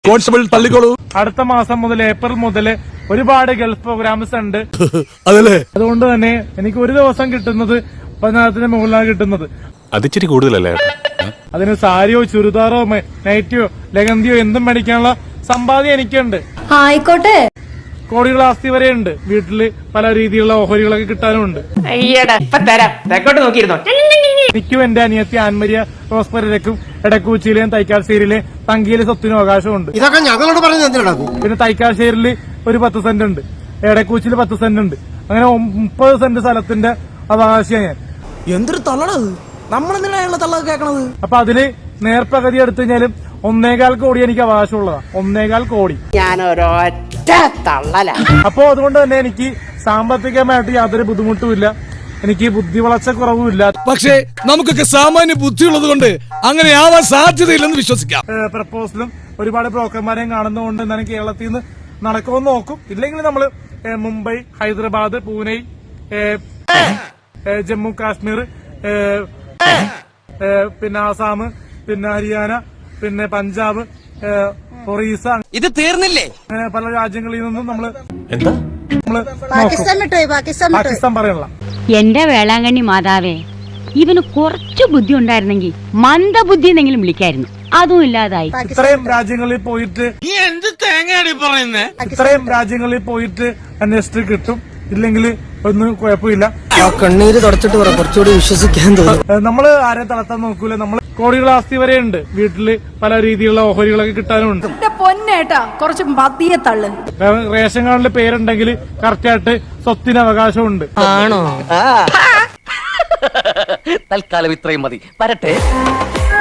Constable തള്ളിക്കോളൂ. അടുത്ത മാസം മുതൽ ഏപ്രിൽ മുതൽ ഒരുപാട് ഗൾഫ് പ്രോഗ്രാംസ് ഉണ്ട്. അതല്ലേ, അതുകൊണ്ട് തന്നെ എനിക്ക് ഒരു ദിവസം കിട്ടുന്നത് 10,000 മുകളിലാണ് കിട്ടുന്നത്. അതിച്ചിരി കൂടുതലല്ലേ? അതിന് സാരിയോ ചുരിദാറോ നൈറ്റിയോ ലഗന്തിയോ എന്തും മേടിക്കാനുള്ള സമ്പാദ്യം എനിക്കുണ്ട്. ആയിക്കോട്ടെ. കോടികൾ ആസ്തി വരെ ഉണ്ട്. വീട്ടില് പല രീതിയിലുള്ള ഓഹരികളൊക്കെ കിട്ടാനുമുണ്ട്. എനിക്കും എന്റെ അനിയത്തി ആൻമരിയ റോസ്പെരയ്ക്കും എടക്കൂച്ചിയിലെയും തൈക്കാശ്ശേരിയിലെ തങ്കിയിലെ സ്വത്തിനും അവകാശമുണ്ട്. ഇതൊക്കെ ഞങ്ങളോട് പറഞ്ഞു. പിന്നെ തൈക്കാശ്ശേരിയിൽ ഒരു 10 സെന്റ് ഉണ്ട്, എടക്കൂച്ചിയിൽ 10 സെന്റ് ഉണ്ട്. അങ്ങനെ 30 സെന്റ് സ്ഥലത്തിന്റെ അവകാശിയാണ് ഞാൻ. എന്തൊരു തള്ളണത്, നമ്മളെന്തിനാണ് തള്ളൊക്കെ കേൾക്കണത്? അപ്പൊ അതില് നേർപ്പകുതി എടുത്തു കഴിഞ്ഞാലും 1.25 കോടി എനിക്ക് അവകാശമുള്ളതാണ്. 1.25 കോടി. അപ്പോ അതുകൊണ്ട് തന്നെ എനിക്ക് സാമ്പത്തികമായിട്ട് യാതൊരു ബുദ്ധിമുട്ടുമില്ല. എനിക്ക് ബുദ്ധി വളർച്ച കുറവുമില്ല. പക്ഷേ നമുക്കൊക്കെ സാമാന്യ ബുദ്ധിയുള്ളത് കൊണ്ട് അങ്ങനെ ആവാൻ സാധ്യതയില്ലെന്ന് വിശ്വസിക്കാം. പ്രപ്പോസലും ഒരുപാട് ബ്രോക്കർമാരെയും കാണുന്നതുകൊണ്ട് എന്താണ് കേരളത്തിൽ നിന്ന് നടക്കുമെന്ന് നോക്കും. ഇല്ലെങ്കിൽ നമ്മള് മുംബൈ, ഹൈദരാബാദ്, പൂനെ, ജമ്മു കാശ്മീർ, പിന്നെ ആസാം, പിന്നെ ഹരിയാന, പിന്നെ പഞ്ചാബ്, ഒറീസ, ഇത് തീർന്നില്ലേ? അങ്ങനെ പല രാജ്യങ്ങളിൽ നിന്നും നമ്മള് പാകിസ്ഥാൻ പറയണല്ല. എന്റെ വേളാങ്കണ്ണി മാതാവേ, ഇവന് കുറച്ചു ബുദ്ധി ഉണ്ടായിരുന്നെങ്കിൽ മന്ദബുദ്ധി എന്നെങ്കിലും വിളിക്കായിരുന്നു. അതും ഇല്ലാതായി. ഇത്രയും രാജ്യങ്ങളിൽ പോയിട്ട് അന്വേഷിച്ചിട്ട് കിട്ടും. ഇല്ലെങ്കിൽ ഒന്നും കുഴപ്പമില്ല. കണ്ണീര് തുടച്ചിട്ട് പറ, കുറച്ചുകൂടി വിശ്വസിക്കാൻ തോന്നും. നമ്മള് ആരെ തളർത്താൻ നോക്കൂല. നമ്മള് കോടികൾ ആസ്തി വരെ ഉണ്ട്. വീട്ടില് പല രീതിയിലുള്ള ഓഹരികളൊക്കെ കിട്ടാനുമുണ്ട്. പൊന്നേട്ടാ, കുറച്ച് മതിയെ തള്ളു. റേഷൻ കാർഡിൽ പേരുണ്ടെങ്കിൽ കറക്റ്റായിട്ട് സ്വത്തിന് അവകാശമുണ്ട്. ആണോ? തൽക്കാലം ഇത്രയും മതി. വരട്ടെ.